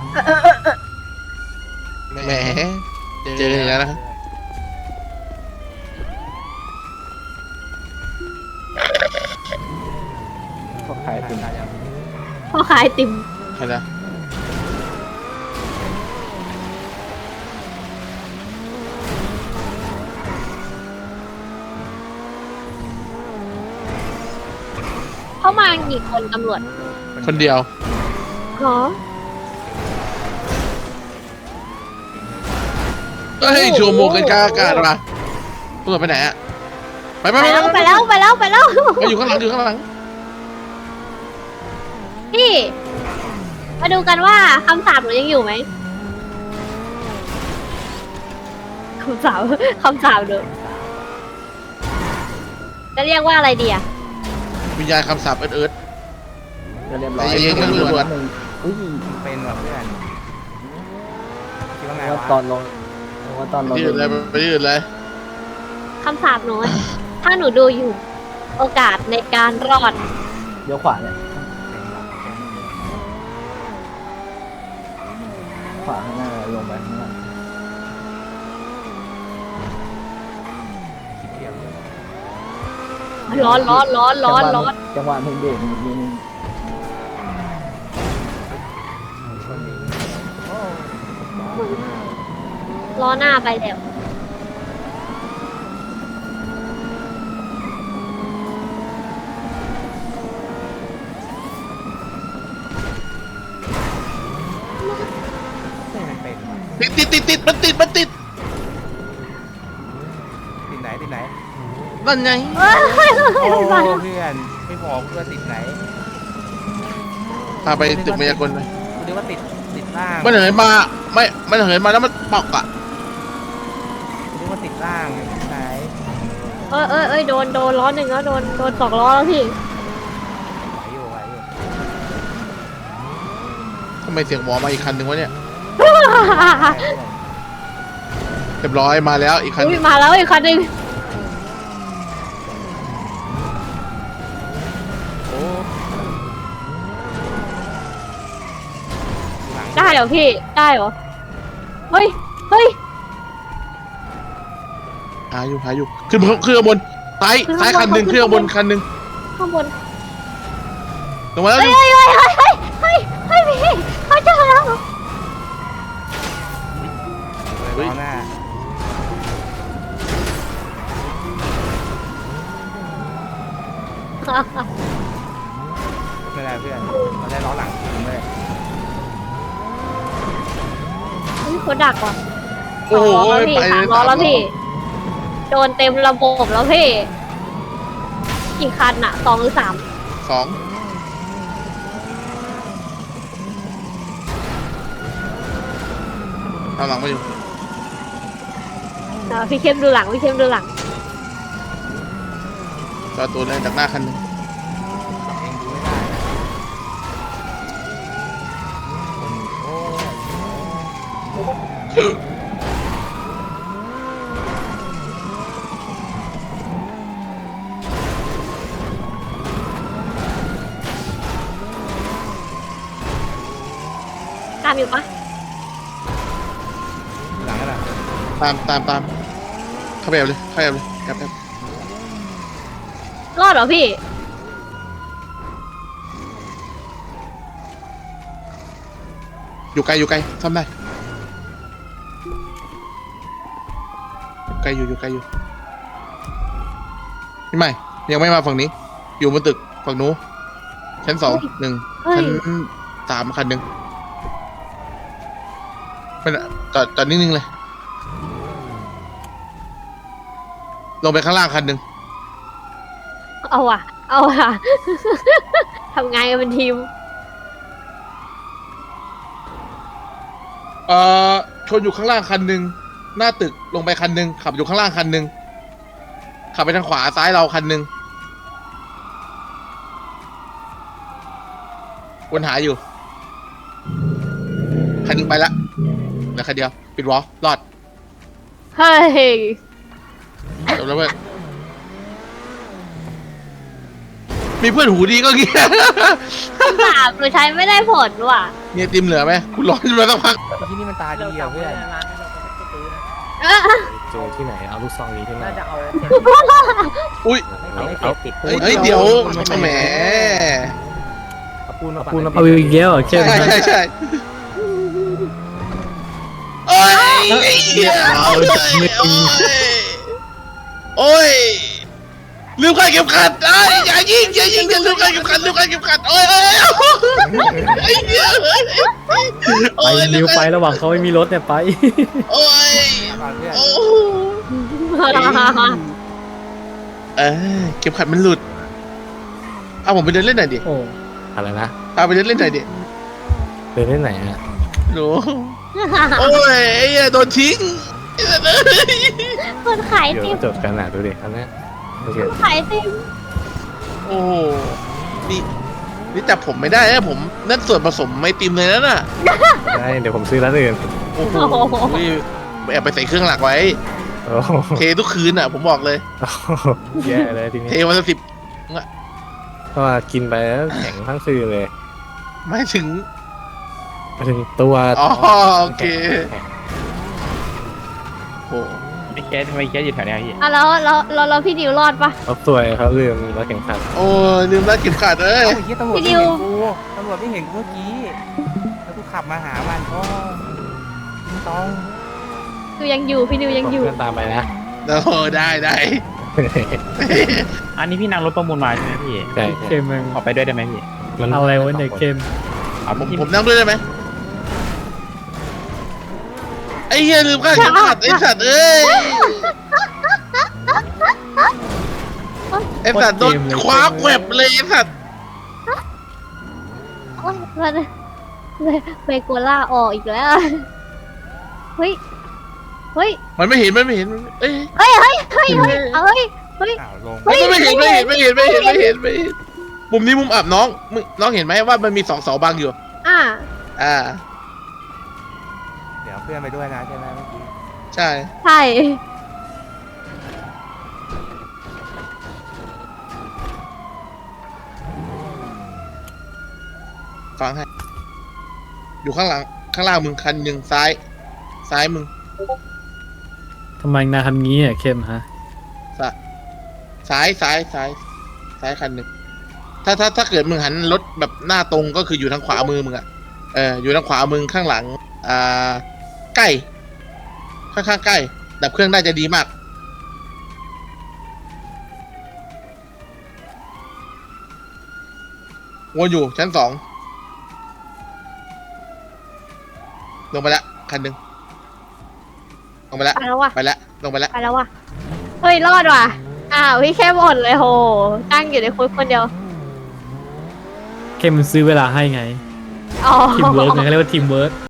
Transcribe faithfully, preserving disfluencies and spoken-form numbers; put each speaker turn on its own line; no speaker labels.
แหมเจออย่างนั้นนะ
พวกขายติม
พ่อขายไอติม
ใครนะ
เข้ามากี่คนตำรวจ
คนเดียว
เหรอ
เฮ้ยชัวโมงกันกลางอากาศมาตำรวจไปไหนอะไปไป
ไป
ไป
แล้วไปแล้วไปแล้วไปแล้ว
ไปอยู่ข้างหลังอยู่ข้างหลัง
พี่มาดูกันว่าคำสาปหนูยังอยู่ไหมคำสาปคำสาปเด้อจะเรียกว่าอะไรดีอะ
วิญญาณคำสาปเอิร์ดเอิร์ด
ก็เรียบร้อย
ใจเย็นๆ
ตำ
ตำรวจ
หนึ่งอุ้ย
เป็นแบบเพื่อนคิดว่าไง
ว่าว
ะ
ตอนลงว่าตอนล
ไป
ง
ที่อื่นเลยไปที่อื่นเลย
คำสาปหนูอะถ้าหนูดูอยู่ โอกาสในการรอด
เดี๋ยวขวาเนี่ยขวาข้างหน้าลงไปข้างล่าง
คิดเทียบเลย
ร้อนร้อนร้อนร้อนร้อน
จังหวะเพลงเบรกนิดนึง
คนนี้
ล้อหน้าไปแล้ว
ไม่เป็นว่ะ
ติดติดติดติดมันติดมันติด
ติดไหนติดไหน
นั่นไง
เฮ้ยเฮ้ย
โอ้
เฮ้ย
เพื่อนไม่บอกเพื่อนติดไหน
พาไปตึกมายากลไป
กูนึกว่าติดติดล่าง
มันเหินมาไม่มันเหินมาแล้วมันปอกอะ
กูนึกว่าติดล่างติดไหน
เอ้ยเอ้ยเอ้ยโดนโดนล้อหนึ่งแล้วโดนโดนสองล้อแล้วพี่
ไหวอยู่ไหวอยู่
ทำไมเสียงหมอมาอีกคันหนึ่งวะเนี่ยเรียบร้อยมาแล้วอีกคันห
อุ้ย
นึ่ง
มาแล้วอีกคันหนึ่ง
โอ้หลัง
ได้เหรอพี่ได้เหรอเฮ้ยเฮ้ย
หาอยู่หาอยู่ขึ้นขึ้นข้างบนซ้ายซ้ายคันหนึ่งขึ้นข้างบนคันหนึ่ง
ข้างบน
ลงมาแล้ว
เฮ้ยเฮ้ยเฮ้ยเฮ้ยเฮ้ยเฮ้ยพี่เขาเจอแล้ว
เลยล้อหน้าไม่ได้เพื่อนเราได้ล้อหลังจริงเลย
เฮ้ยเขาดักว่ะ
โอ้โห
สองล้อแล้วพี่
ไป
สาม
เลย
ล้อแล้วพี่โดนเต็มระบบแล้วพี่กี่คันอะสองหรือสาม
สองเอาหลังมาอยู่
อ่าพี่เข้มดูหลังพี่เข้มดูหลัง
จอตัวเลยจากหน้าคันหนึ่ง
เองดูไม่ได้นะคนโอ้ย
ตามอยู่ปะ
หลังนั่นแหละ
ตามตามตามเข้าไปแอบเลยเข้าไปแอบเลยแอบแอบ
รอดเหรอพี่
อยู่ไกลอยู่ไกลซ่อมได้อยู่ไกลอยู่อยู่ไกลอยู่พี่ใหม่ยังไม่มาฝั่งนี้ อยู่บนตึกฝั่งนู้นชั้นสองหนึ่ง
เฮ้ย
ชั้นสามคันหนึ่งไม่น่ะจอดจอดนิ่งๆเลย ลงไปข้างล่างคันหนึ่ง
เอาว่ะ เอาว่ะ ทำงานกันเป็นทีม
เอ่อชนอยู่ข้างล่างคันหนึ่งหน้าตึกลงไปคันหนึ่งขับอยู่ข้างล่างคันหนึ่งขับไปทางขวาซ้ายเราคันหนึ่งวนหาอยู่คันหนึ่งไปละเหลือคันเดียวปิดวอลรอด
เฮ้ย
จบแล้วเพื่อนมีเพื่อนหูดีก็เงี้ย
คำสาปหนูใช้ไม่ได้ผลว่ะ
มีไอติมเหลือไหมคุณร้อนมาสักพัก
ไอ้ที่นี่มันตาดีอ่ะเพื่อน
ร้านที่เราไปซื้อนะ
เอ้อ
เจอที่ไหนเอาลูกซองนี้ที่ไหน
น่าจะเอา
อุ้ย
เอา
ไม่
เอา
เก็บติด
เฮ้ยเฮ้ยเดี๋ยวแหม
เอาปูนมา
ปูน
ปัด
เอาอีกแล้วเหรอเข้
ใช่
ม
ใช่ใช่โอ้ยไอ้เหี้ยโอ้ยโอ้ยลืมใครเก็บขัดไอ้อย่ายิงอย่ายิงอย่าลืมใครเก็บขัดลืมใครเก็บขัดโอ้ยโอ้ยไอ้เหี้ย
ไปเร็วไประหว่างเขาไม่มีรถเนี่ยไป
โอ้ย
ปัดเพื่อน
โอ้เออเก็บขัดมันหลุดเอาผมไปเดินเล่นหน่อยดิ
โอ้
อะไรนะ
พาไปเดินเล่นหน่อยดิ
เดินที่ไหนอ่ะ
หนูโอ้ยไอ้เหี้ยโดนทิ้ง
คนขาย
เดี๋ยว
ติม
จดกันหนาดูดิอันเนี้ยโอเค
ขายติม
โอ้โหนี่นี่จับผมไม่ได้นะผมนั่นส่วนผสมไม่ติมเลยนะน่ะ
ได้เดี๋ยวผมซื้อร้านอื่น
โอ้โหแอบไปใส่เครื่องหลักไว้
โอ้โห
เททุกคืนอ่ะ ผมบอกเลย
แย่เลยที
เท
นี้
วันละสิบ
เพราะว่ากินไปแล้วแข็งทั้งคืนเลย
ไม่ถึง
มาถึงตัว
อ๋อโอเค
แข็ง
โอ้
ไม่แก๊สทำไมแก๊สอยู่แถวเนี้ยพี่
อ่ะแล้วแล้วแล้วแล้วพี่ดิวรอดปะ
เขาสวยเขาลืมรถแข่งขัน
โอ้ยลืมรัดเก็บขาดเอ้ย
เอ้าไอ้เหี้ยตำรวจ
พี่
ไม่
ดิ
เห็
ว
นกูตำรวจไม่เห็นกูเมื่อกี้แล้วกูขับมาหามันก็ต้อง
ดิวยังอยู่พี่ดิวยังอยู่
เพื่อนตามไปนะ
โอ้ได้ได้
อันนี้พี่นั่งรถประมูลมาใช่ไหมพี่
ใช่
เข้มมึง
ขอไปด้วยได้ไหมพี่
มัน
เอาอะไรวะเนี่ยเข้ม
เอา
ผม
พี่
ผมนั่งด้วยได้ไหมไอ้เหี้ยลืมค่าเข็มขัดไอ้สัตว์เอ้ยไอ้สัตว์โดนคว้าแกวบเลยไอ้สัตว์
โอ๊ยมันเบโกล่าออกอีกแล้ว เฮ้ย เฮ้ย
มันไม่เห็นมันไม่เห็นมันไม่เอ้ย
เฮ้ย เฮ้ย เฮ้ย เฮ้ยเฮ้ย เฮ้ย
อ้าวลง
เฮ้ย
ไม่เห็นไม่เห็นไม่เห็นไม่เห็นไม่เห็นไม่เห็นมุมนี้มุมอับน้องมึงน้องเห็นไหมว่ามันมีสองเสาบังอยู่
อ่า
อ่า
เดี๋ยวเพื่อนไปด้วยนะใช่ไหมเมื่อกี้
ใช่
ใช่
ฟังให้ อยู่ข้างหลัง ข้างล่างมึงคันหนึ่งซ้าย ซ้ายมึง
ทำไมนายทำงี้อ่ะเข้มฮะ
ซ้ายซ้ายซ้าย ซ้ายคันหนึ่งถ้าถ้าถ้าเกิดมึงหันรถแบบหน้าตรงก็คืออยู่ทางขวามือมึงอะเอออยู่ทางขวามึงข้างหลัง อ่า ใกล้ข้างๆใกล้ ดับเครื่องได้จะดีมาก วนอยู่ชั้นสอง ลงไปแล้วคันหนึ่งลงไปแล้ว
ไปแล้วว่ะ
ไปแล้วลงไปแล้ว
ไปแล้วว่ะ เฮ้ย รอดว่ะ อ้าวพี่แค่หมดเลยโห ตั้งอยู่ในคุกคนเดียว
เข้มมันซื้อเวลาให้ไง
อ๋อ
ทีมเวิร์กไงเขาเรียกว่าทีมเวิร์ก